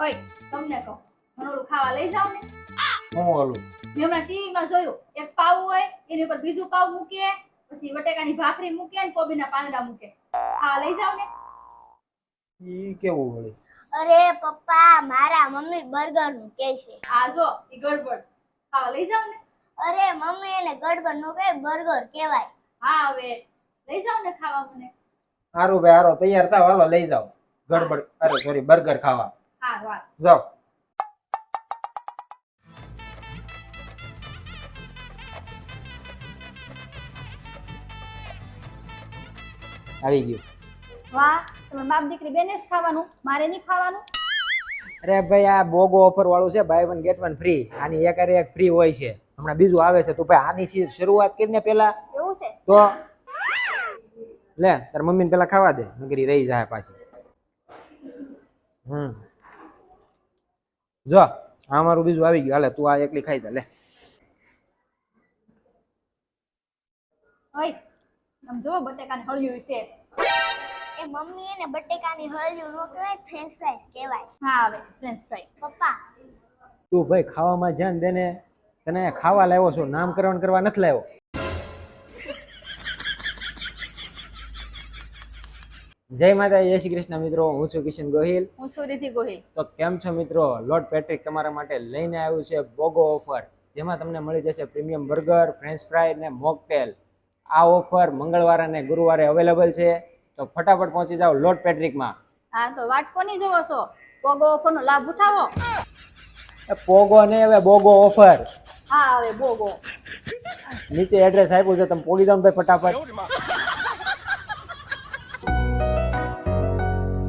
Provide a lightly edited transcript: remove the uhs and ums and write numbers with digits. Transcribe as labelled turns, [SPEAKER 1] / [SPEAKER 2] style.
[SPEAKER 1] ઓય તમને કહું મને ઓલું ખાવા લઈ જાવ ને.
[SPEAKER 2] હું ઓલું
[SPEAKER 1] મેં હમણાં ટીવીમાં જોયું એક પાવ હોય એની ઉપર બીજું પાવ મૂકે પછી બટેકાની ભાખરી મૂકે ને કોબીના પાંદડા મૂકે ખાવા લઈ જાવ ને.
[SPEAKER 2] ઈ કેવું વળી?
[SPEAKER 3] અરે પપ્પા મારા મમ્મી બર્ગર નું કહે છે.
[SPEAKER 1] આ જો ઈ ગડબડ ખાવા લઈ જાવ ને.
[SPEAKER 3] અરે મમ્મી એને ગડબડ નું કહે બર્ગર કહેવાય.
[SPEAKER 1] હા હવે લઈ જાવ ને ખાવા મને.
[SPEAKER 2] હારું ભાઈ હારો તૈયાર થાવ હાલો લઈ જાઓ ગડબડ અરે સોરી બર્ગર ખાવા
[SPEAKER 1] હા વાત
[SPEAKER 2] જાઓ. આવી ગયું.
[SPEAKER 1] વાહ તમે બાપ દીકરી બેને જ ખાવાનું મારે નહીં ખાવાનું.
[SPEAKER 2] અરે ભાઈ આ બોગો ઓફર વાળું છે buy one get one free. આની એક અરે એક ફ્રી હોય છે. હમણાં બીજું આવે છે. તું ભાઈ આની શરૂઆત કરીને પેલા
[SPEAKER 1] એવું છે
[SPEAKER 2] તો લે તાર મમ્મીને પેલા ખાવા દે નકરી રહી જાય પાછી. જો આ મારું બીજું આવી ગયું હાલે તું આ એકલી ખાઈ દે લે.
[SPEAKER 1] ઓય આમ જો બટેકાની હળિયું છે.
[SPEAKER 3] એ મમ્મી એને બટેકાની હળિયું નો કહેવાય ફ્રેન્ચ ફ્રાઈસ કહેવાય.
[SPEAKER 1] હા હવે ફ્રેન્ચ ફ્રાઈ.
[SPEAKER 3] પપ્પા
[SPEAKER 2] તું ભાઈ ખાવામાં ધ્યાન દે ને. તને ખાવા લાવ્યો છું નામકરણ કરવા નથી લાવ્યો. જય માતા જય શ્રી કૃષ્ણ મિત્રો હું છું કિશન ગોહિલ.
[SPEAKER 1] હું છું રિધિ ગોહિલ.
[SPEAKER 2] તો કેમ છો મિત્રો? લોર્ડ પેટ્રિક તમારા માટે લઈને આવ્યું છે બોગો ઓફર જેમાં તમને મળી જશે પ્રીમિયમ બર્ગર ફ્રેન્ચ ફ્રાય ને મોકટેલ. આ ઓફર મંગળવારે અને ગુરુવારે અવેલેબલ છે તો ફટાફટ પહોંચી જાઓ લોર્ડ પેટ્રિકમાં.
[SPEAKER 1] હા તો વાટ કોની જોવો છો પોગો ઓફરનો લાભ ઉઠાવો.
[SPEAKER 2] પોગો ને હવે બોગો ઓફર
[SPEAKER 1] હા હવે બોગો
[SPEAKER 2] નીચે એડ્રેસ આપ્યું છે તમે પોગી જાઓ ને ભાઈ ફટાફટ.